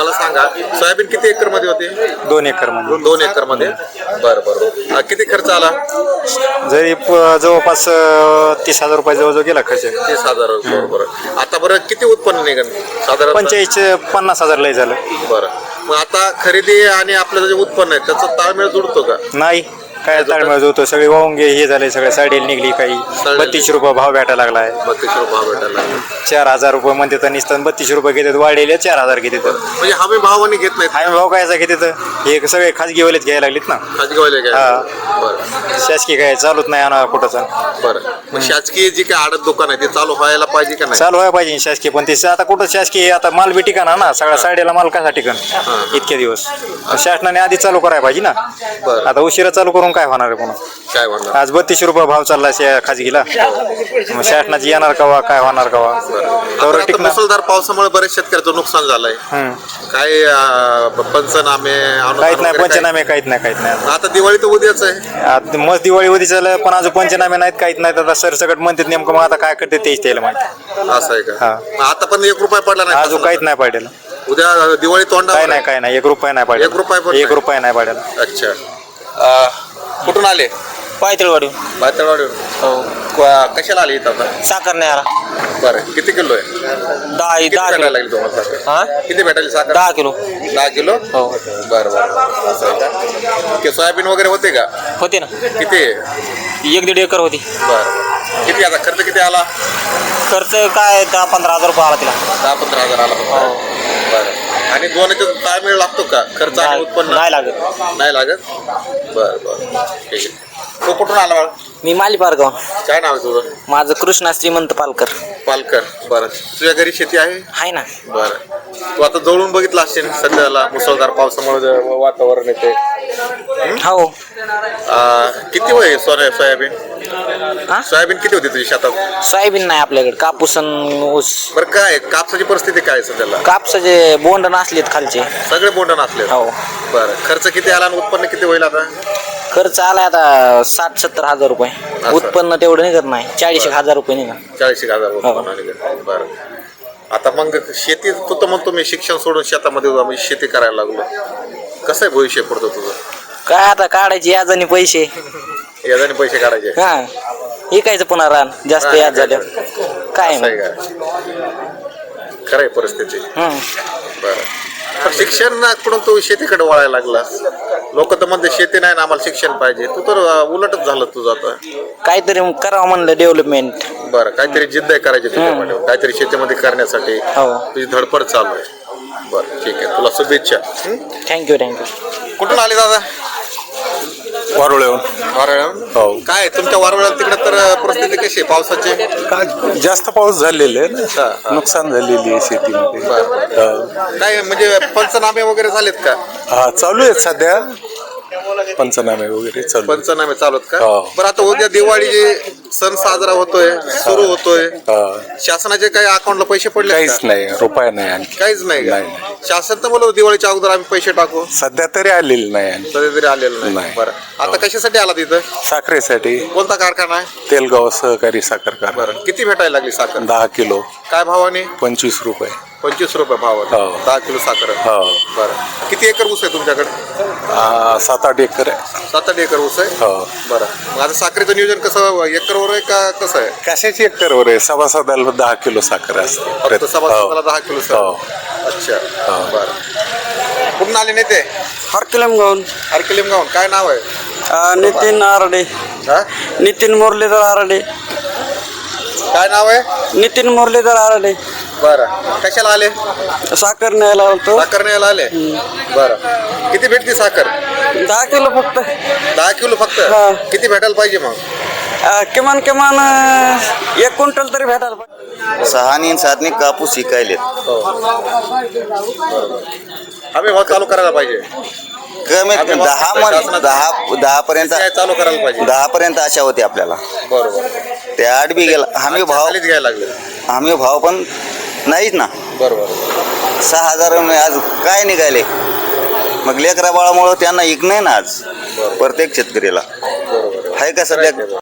मला सांगा सोयाबीन किती एकर मध्ये होते? 2 एकर मध्ये. 2 एकर मध्ये. बरं. किती खर्च आला? जरी जवळपास 30,000 रुपये जवळजवळ गेला खर्च. 30,000. बरोबर. आता बरं किती उत्पन्न निघेल साधारण? 45-50,000 लय झालं. बरं. मग आता खरेदी आणि आपलं जे उत्पन्न आहे त्याचा ताळमेळ जुळतो का? नाही, काय ताळमेळ होतो. सगळे वाहून हे झाले, सगळे साडीला निघली. काही 32 रुपये भाव भेटायला लागलाय. 32 रुपये भाव भेटायला लागला. 4,000 रुपये म्हणते तर निसतं 32 रुपये घेतात. वाढलेले 4,000 घेतात. म्हणजे हमी भावाने घेत नाहीत. हमी भाव कायचा घेतात? हे सगळे खाजगीवालेच घ्यायला लागलेत ना. खाजगीवाले काय? हा. बरं. शासकीय काय चालूच नाही आणा कुठंच. बरं. मग शासकीय जी काय आडत दुकान आहे ते चालू व्हायला पाहिजे का नाही? चालू व्हायला पाहिजे शासकीय, पण ते आता कुठं शासकीय आता माल बी ठिकाणा ना. सगळ्या साड्याला माल कसा ठिकाण इतके दिवस. शासनाने आधी चालू करायला पाहिजे ना. आता उशिरा चालू करून काय होणार आहे पुन्हा? काय म्हणणार? आज 32 रुपये भाव चालला खाजगीला. मग शासनाची येणार कवा, काय होणार कवा? आता मुसळधार पावसामुळे बरेच शेतकऱ्याचं नुकसान झालंय. काय पंचनामे? काहीच नाही पंचनामे, काहीच नाही. आता दिवाळी तर उद्याच आहे. मस्त दिवाळी उद्या चाललं, पण अजून पंचनामे नाहीत, काहीच नाहीत. आता सरसकट म्हणतात नेमकं, मग आता काय करते तेच त्याला माहिती. असं आहे का? आता पण 1 रुपया पडला नाही अजून काहीच नाही पडेल. उद्या दिवाळी तोंडा काय नाही 1 रुपया नाही पडेल. 1 रुपया नाही पडेल. अच्छा. कुठून आले? पायतळवाडी. हो. कशाला आले इथं आता? साखर नाही आला. बरं. किती किलो आहे? 10 भेटायला लागेल तुम्हाला साखर? हा, किती भेटायला साखर? 10 किलो. 10 किलो? हो. बरं. असं आहे का? सोयाबीन वगैरे होते का? होते ना. किती? 1-1.5 एकर होती. बरं. किती आता खर्च किती आला? खर्च काय 10-15 हजार रुपये आला तिला. 10-15 हजार आला. हो. बरं. आणि दोन्हीचा ताळमेळ लागतो का? खर्च आणि उत्पन्न नाही लागत. नाही लागत. बरं. ठीक आहे. तो कुठून आला बाळ? मी माली पारगाव. काय नाव आहे तुझं? माझं कृष्णा श्रीमंत पालकर. बरं. तुझ्या घरी शेती आहे ना? बरं. तू आता जवळून बघितलं असेल सध्याला मुसळधार पावसामुळे वातावरण येते. हो. किती वय सोयाबीन? सोयाबीन किती होती तुझ्या शेतात? सोयाबीन नाही आपल्याकडे, कापूस आणि ऊस. बरं. काय कापसाची परिस्थिती काय सध्याला? कापसाचे बोंड नसलेत खालचे. सगळे बोंड नसले. हो. बरं. खर्च किती आला आणि उत्पन्न किती होईल आता? खर्च आला आता 60-70 हजार रुपये. उत्पन्न तेवढं निघत नाही. 40,000 रुपये निघा. 40,000 उत्पन्न. बरं. आता मग शेती तू तर म्हणतो मी शिक्षण सोडून शेतामध्ये शेती करायला लागलो. कसं आहे भविष्य पडतो तुझं? काय आता काढायचे याजाने पैसे. याजाने पैसे काढायचे? हा, विकायचं पुन्हा रान जास्त याद झालं. काय खरं आहे परिस्थिती. बरं. पण शिक्षणाकडून तू शेतीकडे वळायला लागला. लोक तर म्हणते शेती नाही ना, आम्हाला शिक्षण पाहिजे. तू तर उलटच झालं तुझं आता. काहीतरी करावं म्हणलं डेव्हलपमेंट. बरं. काहीतरी जिद्द आहे करायची तुझ्यामध्ये, काहीतरी शेतीमध्ये करण्यासाठी तुझी धडपड चालू आहे. बरं. ठीक आहे. तुला शुभेच्छा. थँक्यू. कुठून आले दादा? वारुळेहून. हो. काय तुमच्या वारुळ्याला तिकडे तर परिस्थिती कशी आहे पावसाची? काय जास्त पाऊस झालेला आहे ना, नुकसान झालेली आहे शेतीमध्ये. काय म्हणजे पंचनामे वगैरे झालेत का? हा, चालू आहेत सध्या पंचनामे वगैरे चालू. पंचनामे चालू आहेत का? बरं. आता उद्या दिवाळी सण साजरा होतोय, सुरू होतोय. शासनाचे काही अकाउंटला पैसे पडले? काहीच नाही, रुपया नाही आणखी. काहीच नाही का? शासन तर बोलव दिवाळीच्या अगोदर आम्ही पैसे टाकू. सध्या तरी आलेले नाही आणखी. सध्या तरी आलेलं नाही. बरं. आता कशासाठी आला तिथं? साखरेसाठी. कोणता कारखाना आहे? तेलगाव सहकारी साखर कारखाना. बरं. किती भेटायला लागली साखर? 10 किलो. काय भावाने? 25 रुपये. 25 रुपये भाव. 10 किलो साखर. बरं. किती एकर ऊस आहे तुमच्याकडे? 7-8 एकर आहे. 7-8 एकर ऊस आहे. बरं. मग आता साखरेचं नियोजन कसं, एकरवर आहे का कसं आहे? कशाची एकरवर आहे? सभासदाला 10 किलो साखर असते. फक्त सभासदाला 10 किलो साखर. अच्छा. बरं. कुठून आले नेते? हरकलिमगावून. काय नाव आहे? नितीन आरडे. नितीन मुरलीधर आरडे. काय नाव आहे? नितीन मुरलीधर आरडे. बरं. कशाला आले? साखर न्यायला आलतो. साखर न्यायला आले. बरं. किती भेटते साखर? 10 किलो फक्त. 10 किलो फक्त? किती भेटायला पाहिजे मग? किमान 1 क्विंटल तरी भेटायला पाहिजे. 6-7 कापूस शिकायलेत. आम्ही भाव चालू करायला पाहिजे. कमीत कमी 10 पर्यंत चालू करायला पाहिजे. 10 पर्यंत आशा होती आपल्याला. बरोबर. ते 8 बी गेला. हमी घ्यायला लागले. भाव पण नाहीच ना. बरोबर. 6,000 आज काय निघाले. मग लेकरा बाळामुळं त्यांना इक नाही ना आज प्रत्येक शेतकऱ्याला. आहे का सध्या?